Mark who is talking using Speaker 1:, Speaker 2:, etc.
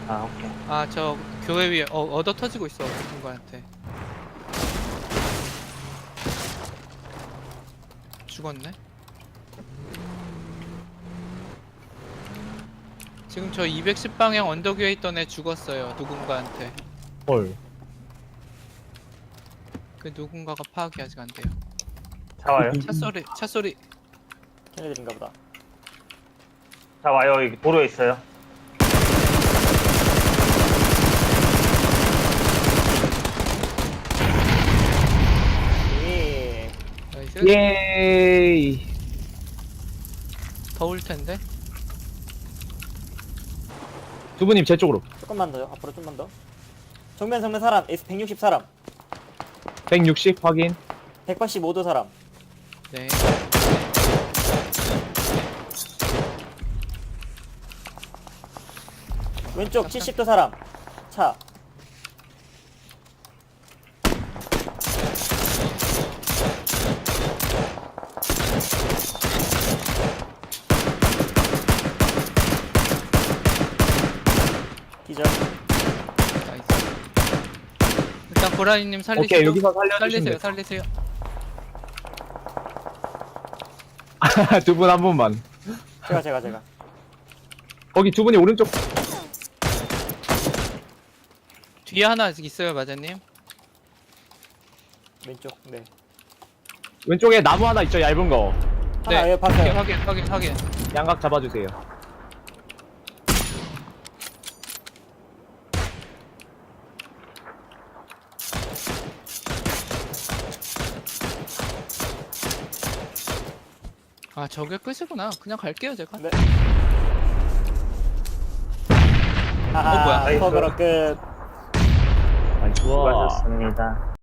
Speaker 1: 아, 오케이.
Speaker 2: 아, 저 교회 위에 얻어 터지고 있어. 누군가한테. 죽었네. 지금 저 210방향 언덕 위에 있던 애 죽었어요. 누군가한테.
Speaker 3: 헐.
Speaker 2: 그 누군가가 파악이 아직 안 돼요.
Speaker 1: 차 와요.
Speaker 2: 차 소리.
Speaker 4: 걔네들인가 보다.
Speaker 1: 차 와요. 여기 도로에 있어요.
Speaker 4: 예.
Speaker 2: 나이스.
Speaker 3: 예이.
Speaker 2: 더울 텐데.
Speaker 3: 두부님 제 쪽으로.
Speaker 4: 조금만 더요. 앞으로 좀만 더. 정면 정면 사람. S160 사람.
Speaker 3: 160 확인.
Speaker 4: 185도 사람.
Speaker 2: 네.
Speaker 4: 왼쪽 70도 사람. 차. 기절.
Speaker 2: 나이스. 일단 고라니님 살리시고.
Speaker 3: 오케이, 여기서 살려주시면
Speaker 2: 살리세요.
Speaker 3: 두 분 한 분만.
Speaker 4: 제가.
Speaker 3: 거기 두 분이 오른쪽.
Speaker 2: 뒤에 하나 있어요, 마자님.
Speaker 4: 왼쪽. 네.
Speaker 3: 왼쪽에 나무 하나 있죠, 얇은 거.
Speaker 4: 하나
Speaker 2: 네.
Speaker 4: 예, 봤어요.
Speaker 2: 확인.
Speaker 3: 양각 잡아주세요.
Speaker 2: 아, 저게 끝이구나. 그냥 갈게요, 제가.
Speaker 4: 네. 하하,
Speaker 2: 뭐야.
Speaker 1: 나이스.
Speaker 4: 퍼그로 끝.
Speaker 3: 아이, 좋아.
Speaker 1: 수고하셨습니다.